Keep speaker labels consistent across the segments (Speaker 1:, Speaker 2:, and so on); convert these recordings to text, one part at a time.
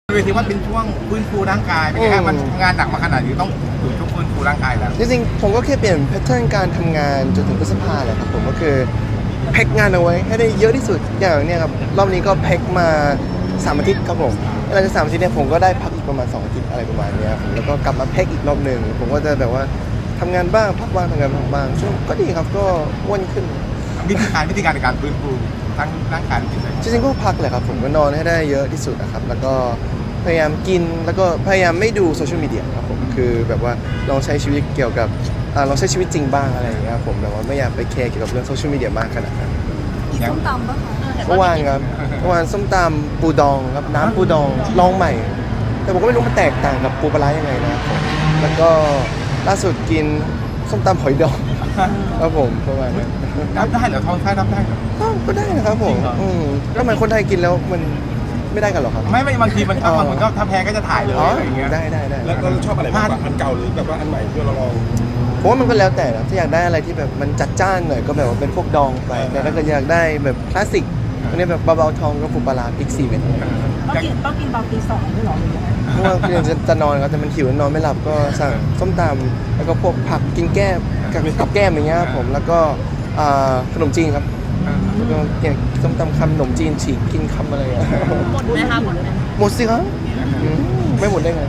Speaker 1: เวทีว่าเป็นช่วงฟื้นฟูร่างกายเป็นไงฮะมันทำงานหนักมาขนาดนี้ต้องอยู่ช่วงฟื้นฟูร่างกายแล้ว
Speaker 2: จริงๆผมก็แค่เปลี่ยนแพทเทิร์นการทำงานจนถึงพฤษภาแหละครับผมก็คือแพ็กงานเอาไว้ให้ได้เยอะที่สุดอย่างเนี้ยครับรอบนี้ก็แพ็กมา3 อาทิตย์ครับผมหลังจาก3 อาทิตย์เนี่ยผมก็ได้พักอีกประมาณ2 อาทิตย์อะไรประมาณเนี้ยผมแล้วก็กลับมาแพ็กอีกรอบหนึ่งผมก็จะแบบว่าทำงานบ้างพักบ้างทำงานบ้างช่วงก็ดีครับก็อ้วนขึ้น
Speaker 1: วิธีการในการฟื้นฟูทั้งร่างกายและจิตใจ
Speaker 2: จริงๆก็พักแหละครับผมก็นอนให้ได้เยอะที่สุดนะครับแล้วก็พยายามกินแล้วก็พยายามไม่ดูโซเชียลมีเดียครับผมคือแบบว่าลองใช้ชีวิตเกี่ยวกับลองใช้ชีวิตจริงบ้างอะไรอย่างเงี้ยครับผมแบบว่าไม่อยากไปแคร์เกี่ยวกับเรื่องโซเชียลมีเดียมากขนาดนั้น
Speaker 3: กินส้มตำปะคะ
Speaker 2: เมื่อวานครับเมื่อวานส้มตำปูดองครับน้ำปูดองลองใหม่ แต่ผมก็ไม่รู้มันแตกต่างกับปูปลาร้ายังไงนะครับผมแล้วก็ล่าสุดกินส้มตำหอยดองครับผมประมาณนั้น
Speaker 1: รับได้เหรอท้องไส้รับได้เหรอ
Speaker 2: ก็ได้นะครับผมก็เหมือนคนไทยกินแล้วมันไม่ได้กันหรอครับ
Speaker 1: ไม่บางทีมันบางคนก็ถ้าแพ้ก็จะถ่ายเลยอะไรอย่างเงี้ย
Speaker 2: ได้
Speaker 4: แล้วเราชอบอะไรมากกว่าอันเก่าหรือแบบว่าอันใหม่ที่เราลอง
Speaker 2: ผมว่ามันก็แล้วแต่นะถ้าอยากได้อะไรที่แบบมันจัดจ้านหน่อยก็แบบว่าเป็นพวกดองไปแต่ถ้าเกิดอยากได้แบบคลาสสิกอันนี้แบบเบาๆทองก็ปูปลาร้าพริก4 เม็ด
Speaker 3: ต้องกินตอนตี 2ด้วยหรอหรือยังไง
Speaker 2: เพราะว่าคือจะนอนครับแต่มันหิวนอนไม่หลับก็สั่งส้มตำแล้วก็พวกผักกินแก้มกับแก้มอย่างเงี้ยผมแล้วก็ขนมจีนครับแล้วก็เนี่ยส้มตำคำขนมจีนฉีกกินคำอะไรอ่ะ
Speaker 3: หมดไหมคะหมดไหม
Speaker 2: หมดสิครับไม่หมดได้ไง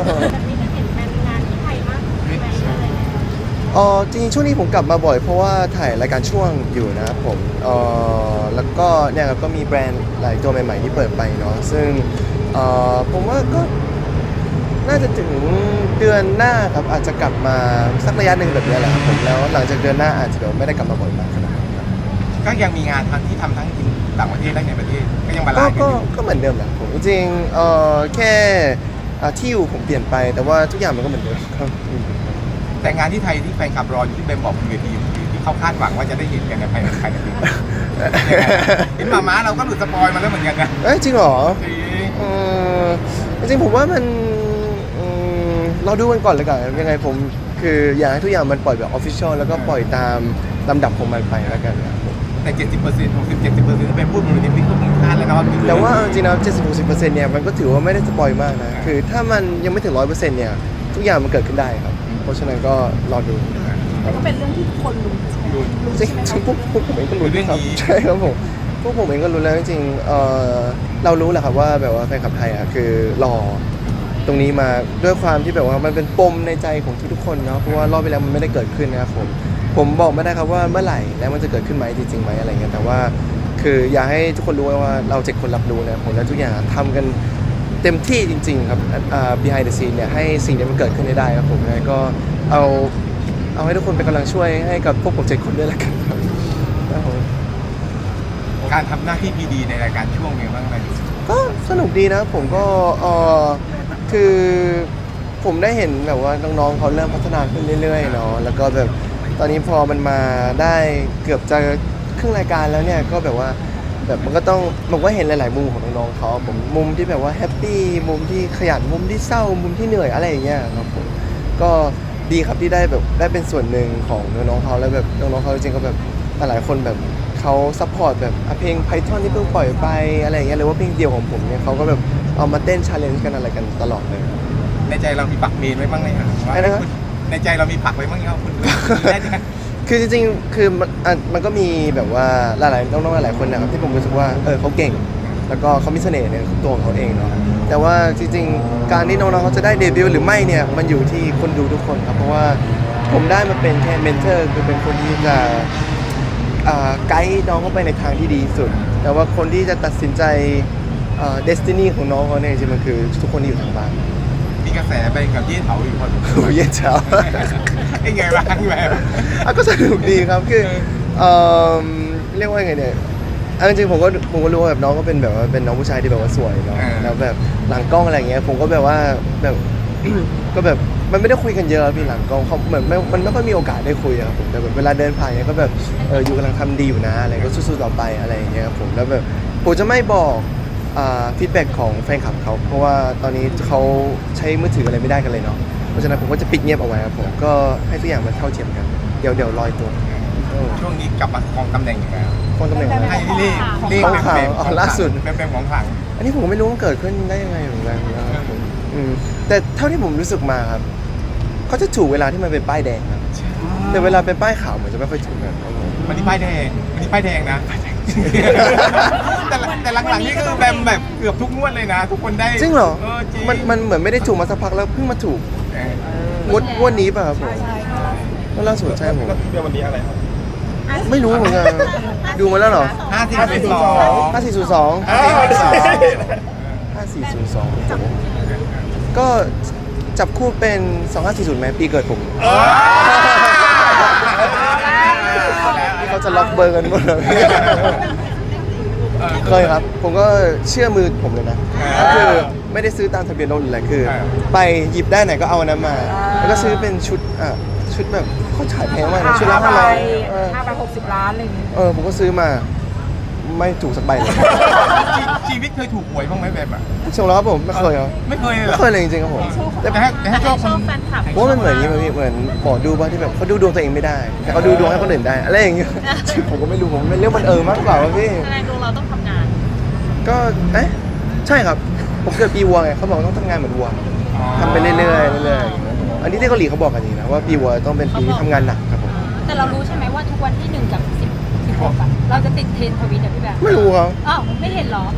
Speaker 2: จริงๆช่วงนี้ผมกลับมาบ่อยเพราะว่าถ่ายรายการช่วงอยู่นะครับผมแล้วก็เนี่ยก็มีแบรนด์หลายตัวใหม่ๆที่เปิดไปเนาะซึ่งผมว่าก็น่าจะถึงเดือนหน้าครับอาจจะกลับมาสักระยะหนึ่งแบบนี้แหละครับผมแล้วหลังจากเดือนหน้าอาจจะเดี๋ยวไม่ได้กลับมาบ่อยมากขนาดนั้นครับ
Speaker 1: ก็ยังมีงานที่ทำทั้งต่างประเทศและในประเทศก็ยังบาลานซ์
Speaker 2: ก็เหมือนเดิมแหละผมจริงแค่ที่อยู่ผมเปลี่ยนไปแต่ว่าทุกอย่างมันก็เหมือนเดิมครับ
Speaker 1: แต่งานที่ไทยที่แฟนคลับรออยู่ที่เบมบอกบนเวทีที่เขาคาดหวังว่าจะได้เห็นกันในภายในปีเห็นมาเราก็หลุดสปอยมาแล้วเหมือนกันนะ
Speaker 2: จริงเหรอจริงผมว่ามันเราดูกันก่อนเลยกันยังไงผมคืออยากให้ทุกอย่างมันปล่อยแบบออฟฟิเชียลแล้วก็ปล่อยตามลำดับของมันไปแล้วกัน
Speaker 1: แต่ 70% 60-70%เป็นพูดบนเวทีที่คุณคาดแล้วนะ
Speaker 2: แต่ว่าจริงๆแล้ว70-60%เนี่ยมันก็ถือว่าไม่ได้สปอยมากนะคือถ้ามันยังไม่ถึง 100% เนี่ยทุกอย่างมันเกิดขึ้นได้ครับเพราะฉะนั้นก็รอดู
Speaker 3: ก็เป็นเรื่องที่ทุกคนรู้
Speaker 2: จริงๆพวกผมเองก็รู้ครับใช่ครับผมพวกผมเองก็รู้แล้วจริงๆเรารู้แหละครับว่าแบบว่าแฟนคลับไทยอ่ะคือรอตรงนี้มาด้วยความที่แบบว่ามันเป็นปมในใจของทุกๆคนเนาะเพราะว่ารอบไปแล้วมันไม่ได้เกิดขึ้นนะครับผมบอกไม่ได้ครับว่าเมื่อไหร่แล้วมันจะเกิดขึ้นไหมจริงๆไหมอะไรเงี้ยแต่ว่าคืออยากให้ทุกคนรู้ว่าเรา7 คนรับรู้นะผมและทุกอย่างทำกันเต็มที่จริงๆครับbehind the scene เนี่ยให้สิ่งนี้มันเกิดขึ้นได้ครับผมก็เอาให้ทุกคนเป็นกำลังช่วยให้กับพวกผม7 คนด้วยละกันครับ
Speaker 1: การทำหน้าที่พีดีในรายการช่วงนี้บ้างไหม
Speaker 2: ก็สนุกดีนะผมก็คือผมได้เห็นแบบว่าน้องๆเขาเริ่มพัฒนาขึ้นเรื่อยๆเนาะแล้วก็แบบตอนนี้พอมันมาได้เกือบจะครึ่งรายการแล้วเนี่ยก็แบบว่าแบบมันก็เห็นหลายๆมุมของน้องๆเขาผมมุมที่แบบว่าแฮปปี้มุมที่ขยันมุมที่เศร้ามุมที่เหนื่อยอะไรอย่างเงี้ยครับผมก็ดีครับที่ได้เป็นส่วนหนึ่งของน้องๆเขาแล้วแบบน้องๆเขาจริงๆก็แบบหลายคนแบบเขาซัพพอร์ตแบบเพลง Python ที่เพิ่งปล่อยไปอะไรอย่างเงี้ยหรือว่าเพลงเดียวของผมเนี่ยเขาก็แบบเอามาเต้น challenge กันอะไรกันตลอดเลย
Speaker 1: ในใจเรามีปักเมนไว้บ้างไหมครับในใจเรามีปักไว้บ้างไหมครับคุณ
Speaker 2: คือจริงๆคือมันก็มีแบบว่าหลายๆน้องๆหลายคนนะครับที่ผมรู้สึกว่าเขาเก่งแล้วก็เขามีเสน่ห์ในตัวของเขาเองเนาะแต่ว่าจริงๆการที่น้องๆเขาจะได้เดบิวต์หรือไม่เนี่ยมันอยู่ที่คนดูทุกคนครับเพราะว่าผมได้มาเป็นแค่เมนเทอร์คือเป็นคนที่จะไกด์น้องเข้าไปในทางที่ดีสุดแต่ว่าคนที่จะตัดสินใจเดสตินีของน้องเขาเนี่ยจริงๆมันคือทุกคนที่อยู่ทางบ้าน
Speaker 1: มีกระแสไปกับเย่เถาอยู่คน
Speaker 2: เย่เถา
Speaker 1: ไอ้ไงบ้างแบบ
Speaker 2: ก็สนุกดีครับคือเรียกว่าไงเนี่ยจริงๆผมก็รู้ว่าแบบน้องก็เป็นแบบว่าเป็นน้องผู้ชายที่แบบว่าสวยเนาะแล้วแบบหลังกล้องอะไรเงี้ยผมก็แบบว่าแบบก็แบบมันไม่ได้คุยกันเยอะพี่หลังกล้องเขาเหมือนมันไม่ค่อยมีโอกาสได้คุยครับผมแต่แบบเวลาเดินผ่านเนี่ยก็แบบอยู่กำลังทำดีอยู่นะอะไรก็สู้ๆต่อไปอะไรอย่างเงี้ยครับผมแล้วแบบผมจะไม่บอกฟีดแบ็กของแฟนคลับเขาเพราะว่าตอนนี้เขาใช้มือถืออะไรไม่ได้กันเลยเนาะเพราะฉะนั้นผมก็จะปิดเงียบเอาไว้ครับผมก็ให้ทุกอย่างมันเท่าเทียมกันเดี๋ยวลอยตัว
Speaker 1: ช่วงนี้กลับมาครองตำแหน่งยังไง
Speaker 2: ครองตำแหน่งอะไร
Speaker 1: ให้เล่
Speaker 2: ของข่าวล่าสุด
Speaker 1: เป็นของขลัง
Speaker 2: อันนี้ผมก็ไม่รู้มันเกิดขึ้นได้ยังไงเหมือนกันนะครับผมแต่เท่าที่ผมรู้สึกมาครับเขาจะถูกเวลาที่มันเป็นป้ายแดงครับแต่เวลาเป็นป้ายขาวเหมือนจะไม่ค่อยถูกกันครับผม
Speaker 1: วันนี้ป้ายแดงนะ แต่หลังๆนี่คือแบมแบบเกือบทุกงวดเลยนะ ทุกคนได้
Speaker 2: จริงเหรอ
Speaker 1: จริง
Speaker 2: มันเหมือนไม่ได้ถูกมาสักพักแล้วเพิ่งมาถูก
Speaker 1: เออง
Speaker 2: วดนี้ป่ะครับผม
Speaker 3: ใช่
Speaker 2: ก็ล่าสุดใช่ผม
Speaker 4: แล้วเดี๋ยววันนี้อะไรครับ
Speaker 2: ไม่รู้เหมือนกันดูมาแล้วเหรอ
Speaker 1: 5402
Speaker 2: 5402 5402ก็จับคู่เป็น 2540ไหมปีเกิดผมเขาจะล็อกเบอร์กันหมดเลยเคยครับ ผมก็เชื่อมือผมเลยนะก็คือไม่ได้ซื้อตามทะเบียนรถหรืออะไรคือ ไปหยิบได้ไหนก็เอาอันนั้นมา แล้วก็ซื้อเป็นชุดแบบเขาขายแพงมากนะชุดละ500
Speaker 3: 560 ล้านอะไรอย่างเงี้ย
Speaker 2: ผมก็ซื้อมาไม่ถูกสักใบเลย
Speaker 1: ชีวิตเคยถูกหวยบ้างไหมแบบอ่ะ
Speaker 2: ชงแล้วครับผมไม่เคยครับ
Speaker 1: ไม่เคยเลยเหร
Speaker 2: ไม่
Speaker 1: อ
Speaker 2: เคยเลยจริงๆครับผมแต่
Speaker 1: แต่ให้โชคคน
Speaker 2: เพราะว่ามันเหมือนอย่างนี้เหมือนหมอดูบ้างที่แบบเขาดูดวงตัวเองไม่ได้แต่เขาดูดวงให้คนอื่นได้อะไรอย่างเงี้ยผมก็ไม่รู้ผมเป็นเรื่องบังเอิญมากกว่าว่าพี่
Speaker 5: แสดงดวงเราต้องทำงาน
Speaker 2: ก็ใช่ครับผมเกิดปีวัวไงเขาบอกต้องทำงานเหมือนวัวทำไปเรื่อยๆเรื่อยๆอย่างเงี้ยอันนี้ที่เกาหลีเขาบอกกันอย่างนี้นะว่าปีวัวต้องเป็นปีที่ทำงานหนักครับผม
Speaker 5: แต่เรารู้ใช่ไหมว่าทุกวันที่1กับ16อะเราจะติดเทรนด์ทวิตอะพี่แบงค์
Speaker 2: ไม่รู้ครับ
Speaker 5: อ้าวไม่เห็นเหรอ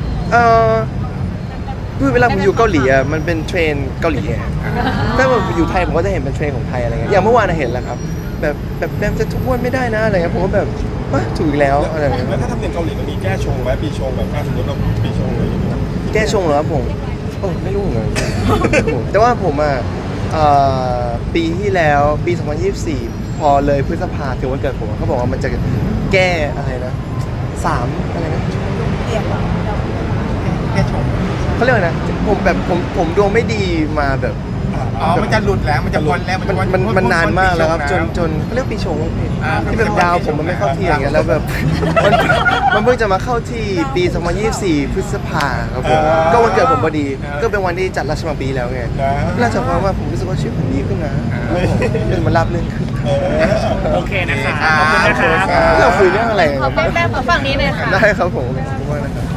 Speaker 2: คือเวลาผมอยู่เกาหลีอ่ะมันเป็นเทรนเกาหลีไงถ้าผมอยู่ไทยผมก็จะเห็นเป็นเทรนของไทยอะไรเงี้ยอย่างเมื่อวานเห็นแล้วครับแบบแบมจะทุกวันไม่ได้นะอะไรเงี้ยผมก็แบบถูกอีกแล้วอะไรเงี้ย
Speaker 4: แล้วถ้าทำเนียมเกาหลีมันมีแก้ชงไหมปีชงแบบถ้าสมมติเราปีชงอะไรอย่างเงี้ย
Speaker 2: แก้ชงเหรอครับผมไม่รู้เหมือนกันแต่ว่าผมปีที่แล้วปี 2024 พอเลยพฤษภาถึงวันเกิดผมเขาบอกว่ามันจะแก้อะไรนะ3อะไรนะ
Speaker 3: เรียกว่า
Speaker 1: แค่ชม
Speaker 2: เขาเรียกว่านะผมดวงไม่ดีมาแบบ
Speaker 1: มันจะหลุดแล้วมันจะวนแล้ว
Speaker 2: มันนานมากแล้วครับจนเขาเรียกปีชงว่าพี่ที่แบบดาวผมมันไม่เข้าที่อย่างเงี้ยแล้วแบบมันเพิ่งจะมาเข้าที่ปี 2024 พฤษภาครับผมก็วันเกิดผมพอดีก็เป็นวันที่จัดราชมังปีแล้วไงราชมังว่าผมรู้สึกว่าชีวิตผมดีขึ้นนะมันราบรื่นขึ้น
Speaker 6: โอเคนะคะ ขอบคุณนะคะ
Speaker 2: เราคุยเรื่องอะไร
Speaker 5: ขอแป๊บๆขอฝั่งนี้เลยค่ะ
Speaker 2: ได้ครับผมขอบคุณมากนะครับ